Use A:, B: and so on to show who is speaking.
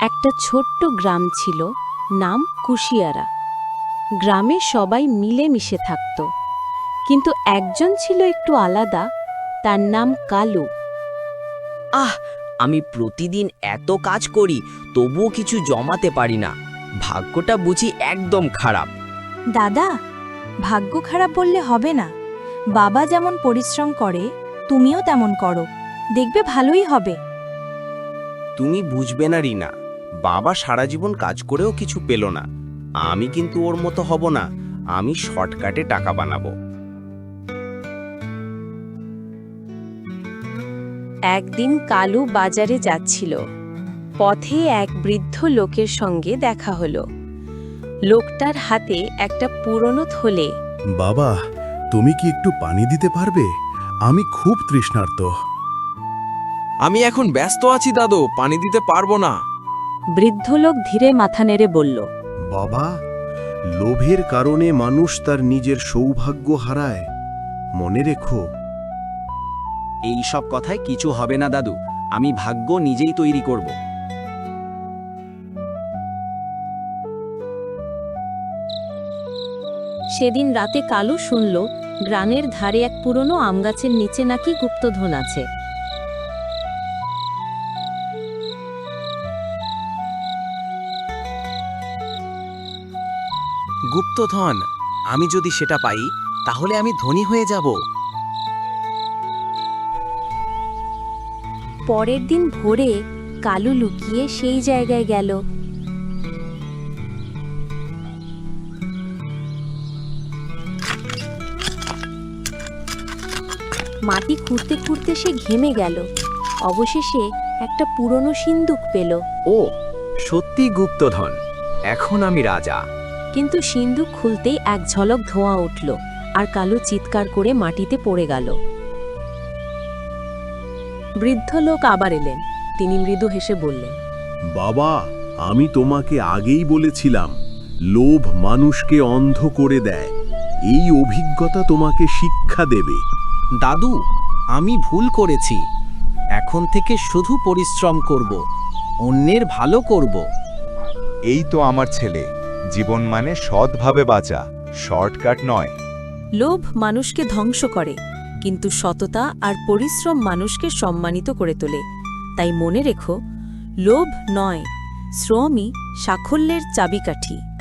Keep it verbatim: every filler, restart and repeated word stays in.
A: একটা ছোট্ট গ্রাম ছিল, নাম কুশিয়ারা। গ্রামে সবাই মিলেমিশে থাকত, কিন্তু একজন ছিল একটু আলাদা, তার নাম কালু।
B: আহ আমি প্রতিদিন এত কাজ করি তবুও কিছু জমাতে পারি না। ভাগ্যটা বুঝি একদম খারাপ।
C: দাদা, ভাগ্য খারাপ বললে হবে না। বাবা যেমন পরিশ্রম করে তুমিও তেমন করো, দেখবে ভালোই হবে।
D: তুমি বুঝবে না রিনা, বাবা সারা জীবন কাজ করেও কিছু পেল না। আমি কিন্তু ওর মতো হব না। আমি শর্টকাটে টাকা বানাবো।
A: একদিন কালু বাজারে যাচ্ছিল। পথে এক বৃদ্ধ লোকের সঙ্গে দেখা হলো। লোকটার হাতে একটা পুরনো থলে।
E: বাবা, তুমি কি একটু পানি দিতে পারবে? আমি খুব তৃষ্ণার্ত।
F: আমি এখন ব্যস্ত আছি দাদু, পানি দিতে পারবো না।
A: বৃদ্ধ লোক ধীরে মাথা নেড়ে বলল,
E: বাবা, লোভের কারণে মানুষ তার নিজের সৌভাগ্য হারায়, মনে রেখো।
B: এই সব কথায় কিছু হবে না দাদু, আমি ভাগ্য নিজেই তৈরি করব।
A: সেদিন রাতে কালু শুনল গ্রামের ধারে এক পুরনো আমগাছের নিচে নাকি গুপ্তধন আছে।
F: গুপ্তধন, আমি যদি সেটা পাই তাহলে আমি ধনী হয়ে যাব।
A: পরের দিন ভোরে কালু লুকিয়ে সেই জায়গায় গেল। মাটি খুঁড়তে খুঁড়তে সে ঘেমে গেল। অবশেষে একটা পুরনো সিন্দুক পেল।
B: ও সত্যি গুপ্তধন, এখন আমি রাজা।
A: কিন্তু সিন্দুক খুলতেই এক ঝলক ধোঁয়া উঠল, আর কালু চিৎকার করে মাটিতে পড়ে গেল। বৃদ্ধ লোক আবার এলেন। তিনি মৃদু হেসে বললেন,
E: বাবা, আমি তোমাকে আগেই বলেছিলাম, লোভ মানুষকে অন্ধ করে দেয়। এই অভিজ্ঞতা তোমাকে শিক্ষা দেবে।
B: দাদু, আমি ভুল করেছি। এখন থেকে শুধু পরিশ্রম করব, অন্যের ভালো করব।
G: এই তো আমার ছেলে, জীবন মানে সৎভাবে বাঁচা, শর্টকাট নয়।
A: লোভ মানুষকে ধ্বংস করে, কিন্তু সততা আর পরিশ্রম মানুষকে সম্মানিত করে তোলে। তাই মনে রেখো, লোভ নয়, শ্রমই সাফল্যের চাবিকাঠি।